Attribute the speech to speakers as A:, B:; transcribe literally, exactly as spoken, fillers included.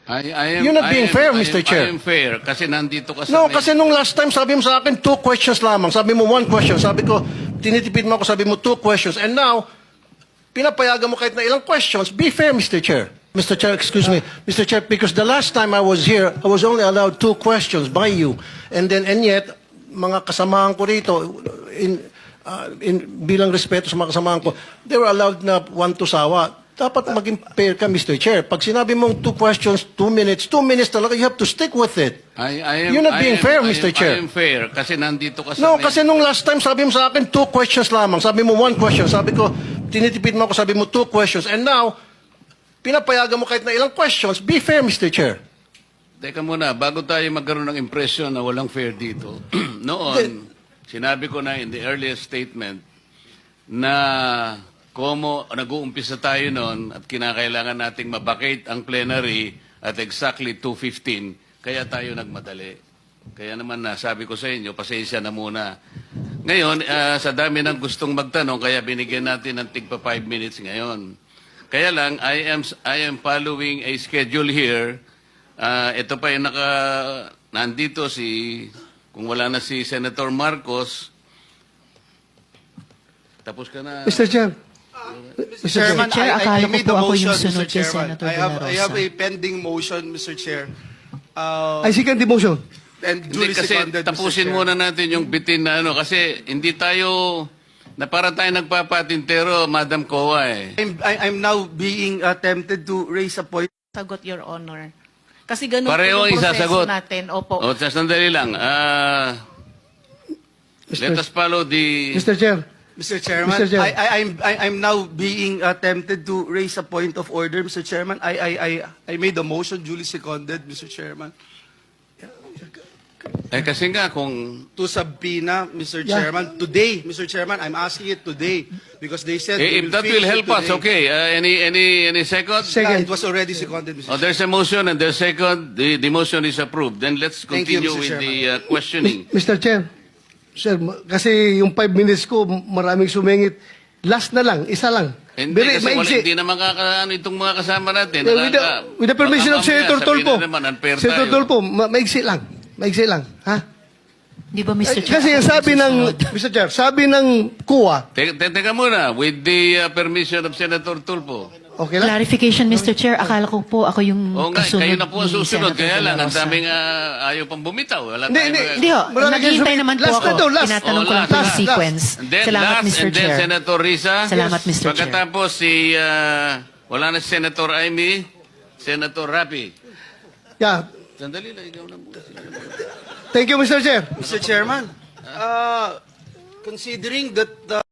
A: I, I am,
B: You're not
A: I
B: being
A: am-
B: fair,
A: I am-
B: Mister Chair.
A: I am fair kasi nandito ka sa...
B: No,
A: may-
B: kasi nung last time, sabi mo sa akin, two questions lamang. Sabi mo, one question. Sabi ko, tinitipid mo ako, sabi mo, two questions. And now, pinapayagan mo kahit na ilang questions. Be fair, Mister Chair. Mister Chair, excuse me. Mister Chair, because the last time I was here, I was only allowed two questions by you. And then, and yet, mga kasamahan ko rito, in, uh, in, bilang respeto sa mga kasamahan ko, they were allowed na one to sawa. Dapat maging fair ka, Mister Chair. Pag sinabi mong two questions, two minutes, two minutes talaga, you have to stick with it.
A: I, I am,
B: You're not
A: I
B: being
A: am-
B: fair,
A: I am-
B: Mister Chair.
A: I am fair kasi nandito ka sa...
B: No,
A: may-
B: kasi nung last time, sabi mo sa akin, two questions lamang. Sabi mo, one question. Sabi ko, tinitipid mo ako, sabi mo, two questions. And now, pinapayagan mo kahit na ilang questions. Be fair, Mister Chair.
A: Teka muna, bago tayo magkaroon ng impression na walang fair dito. Noon, sinabi ko na in the earliest statement na komo nag-uumpisa tayo noon at kinakailangan nating mabakate ang plenary at exactly two fifteen, kaya tayo nagmadali. Kaya naman na sabi ko sa inyo, pasensya na muna. Ngayon, ah, sa dami ng gustong magtanong, kaya binigyan natin ng tigpa five minutes ngayon. Kaya lang, I am I am following a schedule here. Ah, ito pa yung naka nandito si kung wala na si Senator Marcos. Tapos ka na.
B: Mister Chair.
C: Mister Chairman,
D: Chair,
C: I, I,
D: akala
C: I
D: ko
C: made
D: po
C: the
D: ako yung
C: motion,
D: sunod
C: Mister
D: kay
C: Chairman.
D: Senator
C: I have,
D: De La
C: I have
D: Rosa.
C: a pending motion, Mister Chair. Uh,
E: I second the motion.
C: and
A: Hindi,
C: duly
A: kasi
C: seconded, Mister
A: tapusin
C: Chair.
A: muna natin yung bitin na ano kasi hindi tayo na para tayo nagpapatintero, Madam Kowa eh.
C: I'm, I, I'm now being uh, tempted to raise a point.
E: Sagot, Your Honor. Kasi ganun
A: Pareho
E: po yung proseso
A: isasagot.
E: natin. Opo.
A: O, sa sandali lang. Ah, let us follow the...
B: Mister Chair.
C: Mister Chairman,
B: Mister Chair.
C: I, I, I'm, I, I'm now being uh, tempted to raise a point of order, Mister Chairman. I, I, I, I made a motion, duly seconded, Mister Chairman,
A: Eh kasi nga kung...
C: to subpoena, Mister
B: Yeah.
C: Chairman, today, Mister Chairman. I'm asking it today because they said
A: Eh,
C: they
A: if that
C: finish
A: will
C: it
A: help us,
C: today.
A: okay. Uh, any, any, any second?
C: Yeah, it was already seconded, Mister
A: Oh, there's a motion and there's second. The, the motion is approved. Then let's
C: Thank you,
A: continue
C: Mister
A: with the uh, questioning.
B: Mister Chair. Sir, ma- kasi yung five minutes ko, maraming sumingit. Last na lang, isa lang.
A: Hindi,
B: Very
A: kasi wala,
B: maigsi.
A: hindi na makakaano itong mga kasama natin.
B: Yeah, with, the,
A: Nakaka-
B: with the permission of
A: baka mamaya
B: Senator
A: sabihin
B: Tulfo.
A: na naman, unfair
B: Senator
A: tayo.
B: Tulfo, ma maigsi lang. Maigsi lang. Ha?
D: Di ba, Mister
B: Eh,
D: Chair?
B: kasi
D: ako
B: ang sabi
D: yung
B: ng,
D: susunod?
B: Mister Chair, sabi ng K U A,
A: Te- te- Teka muna, with the uh, permission of Senator Tulfo.
B: okay lang?
D: Clarification, Mister Chair. Akala ko po ako yung
A: Oo nga,
D: kasunod
A: kayo na po ang
D: ni
A: susunod.
D: Senator
A: Kaya
D: De La
A: lang, ang
D: Rosa.
A: daming uh, ayaw pang bumitaw. Wala
B: Hindi,
A: tayong
B: hindi.
A: mga-
D: Hindi ho,
B: Marami
D: naghihintay
B: kayo
D: naman po
B: last
D: ako.
B: na to, last.
D: Tinatanong
A: Oh,
D: ko lang
A: last,
D: po yung
B: last,
D: sequence.
A: And then
D: Salamat,
A: last,
D: Mister
A: and then
D: Chair.
A: Senator Risa.
D: Salamat, Mister Chair.
A: Pagkatapos si, uh, wala na si Senator Amy, Senator Rapi.
B: Yeah.
A: Sandali lang, ikaw na muna.
B: Thank you, Mister Chair.
C: Mister Chairman, uh, considering that the